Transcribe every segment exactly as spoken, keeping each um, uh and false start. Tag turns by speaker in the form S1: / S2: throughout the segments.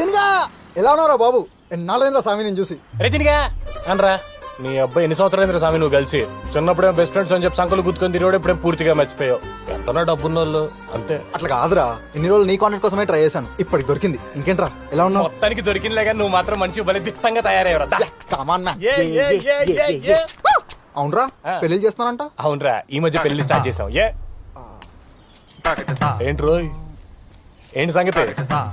S1: రతినిగా ఎలా ఉన్నారా బాబు? ఎన్నాళ్ళైందా స్వామి నేను చూసి.
S2: రతినిగా అనరా నీ అబ్బాయి ఎన్ని సంవత్సరాలు స్వామి నువ్వు కలిసి చిన్నప్పుడే బెస్ట్ ఫ్రెండ్స్ అని చెప్పి సంకలు గుర్తుకొని తిరిగి ఇప్పుడే పూర్తిగా మర్చిపోయావు. ఎంతనా డబ్బున్న వాళ్ళు అంతే.
S1: అట్లా కాదురా, ఇన్ని రోజులు నీ కాంటాక్ట్ కోసమే ట్రై చేశాను, ఇప్పటికి దొరికింది. ఇంకేంట్రా ఎలా ఉన్నావు?
S2: మొత్తానికి దొరికిందిలే కానీ నువ్వు మాత్రం మనిషి బలి దిట్టంగా తయారయ్యవరా.
S1: అవునరా పెళ్లి చేస్తున్నానంట.
S2: అవునరా ఈ మధ్య పెళ్లి స్టార్ట్ చేసాం. ఏ ఏంటి రోయ్ ఏంటి సంగతి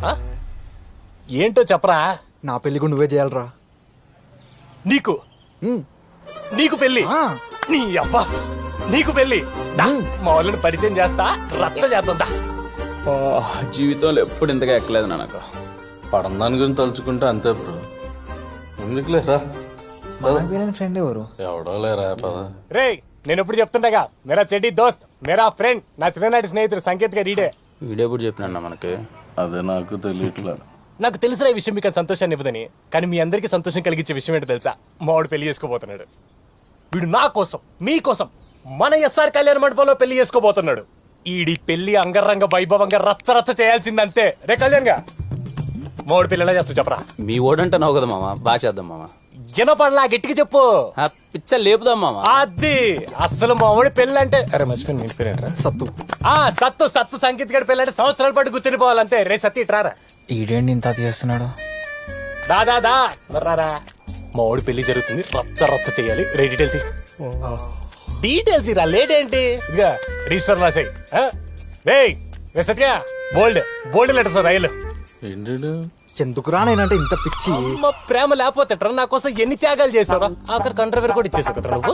S2: ఏంటో చెప్పరా.
S1: నా పెళ్లి కూడా నువ్వే చేయాలరా.
S2: నీకు నీకు పెళ్లి? నీ అబ్బా నీకు పెళ్లి? మా వాళ్ళని పరిచయం చేస్తా, రచ్చ చేద్దా.
S3: జీవితంలో ఎప్పుడు ఇంతగా ఎక్కలేదు నాకు.
S4: పడందాని గురించి తలుచుకుంటే అంతే బ్రో. ఎందుకు లేరా
S5: ఫ్రెండ్ ఎవరు?
S4: ఎవడో లేరా పద.
S2: రే నేను ఎప్పుడు చెప్తుండగా మేరా చెడ్డి దోస్త్ మేరా ఫ్రెండ్ నా చిన్ననాటి స్నేహితుడు సంకేత్ గా రీడే.
S3: వీడెప్పుడు చెప్పినా మనకి?
S4: అదే నాకు తెలియట్లేదు.
S2: నాకు తెలిసిన ఈ విషయం మీకు సంతోషాన్ని ఇవ్వదని, కానీ మీ అందరికీ సంతోషం కలిగించే విషయం ఏంటో తెలుసా? మావాడు పెళ్లి చేసుకోబోతున్నాడు. వీడు నా కోసం మీకోసం మన ఎస్ఆర్ కళ్యాణ మండపంలో పెళ్లి చేసుకోబోతున్నాడు. ఈడి పెళ్లి అంగరంగ వైభవంగా రచ్చ రచ్చ చేయాల్సిందంతే. రే కళ్యాణ్ గా మావాడు పెళ్లి ఎలా చేస్తూ చెప్పరా.
S3: మీ ఓడంటే నవ్వు కదా మామ, బాగా చేద్దాం మామ.
S2: వినపడలా గట్టిగా చెప్పు.
S3: పిచ్చ లేపుదాం మామ.
S2: అది అసలు మావాడి పెళ్లి అంటే అరే మర్చిపోయింది ఇంటి పేరేంట్రా?
S1: సత్తు.
S2: ఆ సత్తు సత్తు సంగీత్ గడి పెళ్ళంటే సంవత్సరాల పాటు గుర్తుండిపోవాలంతే. రే సత్తి ఇట్రారా.
S5: ఈడేంటి ఇంత చేస్తున్నాడు?
S2: దాదా దా రారా. మా వాడు పెళ్లి జరుగుతుంది, రచ్చ రచ్చ చేయాలి. రే డీటెయిల్స్ డీటెయిల్స్ రా. లేట్ ఏంటి? ఇదిగా రిజిస్టర్ రాసాయి. రే రే సత్య బోల్డ్ బోల్డ్ లెటర్స్ రైలు.
S4: ఏంటి
S1: ఎందుకురా నేనంటే ఇంత పిచ్చి?
S2: అమ్మ ప్రేమ లేకపోతే నా కోసం ఎన్ని త్యాగాలు చేసావా? ఆఖరి కంట్రవేర్ కూడా ఇచ్చేసావు కదా నువ్వు.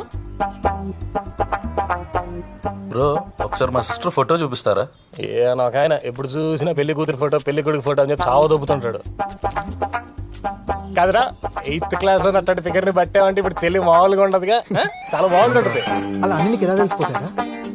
S4: బ్రో ఒకసారి మా సిస్టర్ ఫోటో చూపిస్తారా?
S2: ఏ నాకు ఆయన ఎప్పుడు చూసినా పెళ్లి కూతురు ఫోటో పెళ్లి కొడుకు ఫోటో అని చెప్పి సావ దొబ్బుతుంటాడు కాదురా. ఎయిత్ క్లాస్ లో అట్లాంటి ఫిగర్ ని పట్టామంటే ఇప్పుడు చెల్లి మామూలుగా ఉండదుగా. చాలా బాగుంటుంది.
S1: అలా అన్ని నీకు ఎలా తెలిసిపోతారా?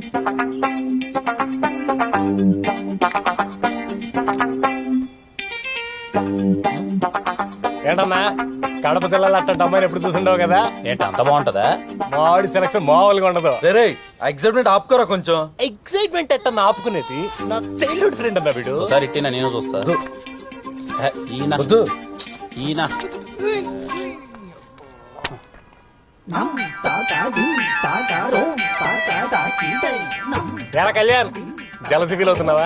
S2: ఏంటన్నా కడప జిల్లాలో అట్లాంటి అమ్మాయిని ఎప్పుడు చూసిండవు కదా.
S3: ఏంటి అంత బాగుంటదా?
S2: మావాడి సెలక్షన్ మామూలుగా ఉండదు.
S4: రే ఎగ్జైట్మెంట్ ఆపుకోరా కొంచెం.
S2: ఎక్సైట్మెంట్ ఎట్ట ఆపుకునేది? నా చైల్డ్హుడ్ ఫ్రెండ్ అన్న వీడు.
S3: ఒకసారి ఇట్టినా నేను చూస్తా. ఈయన ఈయన
S2: ఎలా కళ్యాణ్ జలసి ఫీల్ అవుతున్నావా?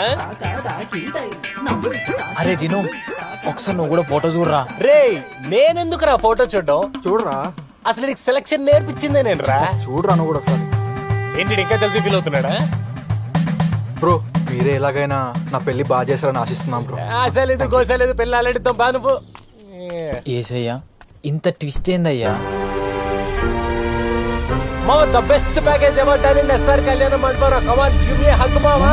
S5: అరే దిను ఒకసారి నువ్వు కూడా ఫోటో చూడరా.
S2: రే నేనెందుకు రా ఫోటో చూడడం?
S1: చూడరా
S2: అసలు నీకు సెలక్షన్ నేర్పించిందే నేను రా.
S1: చూడరా నువ్వు కూడా ఒకసారి.
S2: ఏంటి ఇంకా జలసి ఫీల్ అవుతున్నాడా?
S1: బ్రో మీరే ఎలాగైనా నా పెళ్లి బాగా చేశారని ఆశిస్తున్నాం బ్రో.
S2: ఆశలేదు గోసలేదు పెళ్ళి ఆలడితో బానుపు.
S5: ఏసయ్యా ఇంత ట్విస్ట్ ఏందయ్యా?
S2: మా the best package ever done in SR Kalyana Mandapam. Come on give me hug మామా.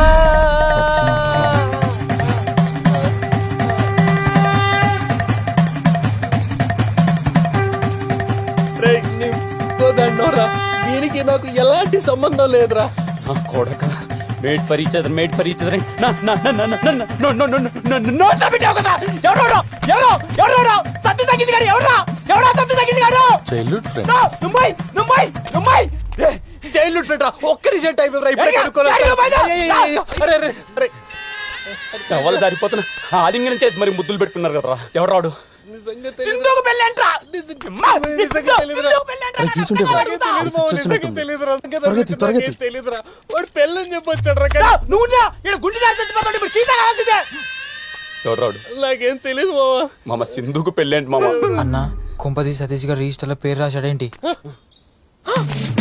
S2: రే నీతో దండోరా, దీనికి నాకు ఎలాంటి సంబంధం లేదురా.
S3: నా కొడక made for each other made for each other నా నా నా నా నా no no no no no submit కదా. ఎవరో ఎవరో ఎవరో సత్య సంగీత్ గారు ఎవరో ఎవరో సత్య సంగీత్ గారు
S4: childhood friend.
S3: Mumbai Mumbai Mumbai
S2: childhood friend రా. ఒక్క రిజల్ట్ అయిపోయిందిరా. ఇప్పుడే కనుక్కోలేదు.
S3: టవల్ సరిపోతున్నా ఆలింగనం చేసి మరి ముద్దులు పెట్టుకున్నారు కదరా. ఎవరు రాడు? సింధుకు పెళ్ళి అంటరా.
S2: వాడు పెళ్ళని చెప్పొచ్చాడు.
S3: నువ్వు గుండె చచ్చిపోతాడు. ఇప్పుడు సీత కావాల్సిందే. ఎవరు రాడు?
S2: నాకేం తెలియదు మామ.
S3: మామ సింధుకు పెళ్ళి ఏంటి మామ?
S5: అన్న కుంపతి సతీష్ గారు రిజిస్టర్లో పేరు రాశాడేంటి?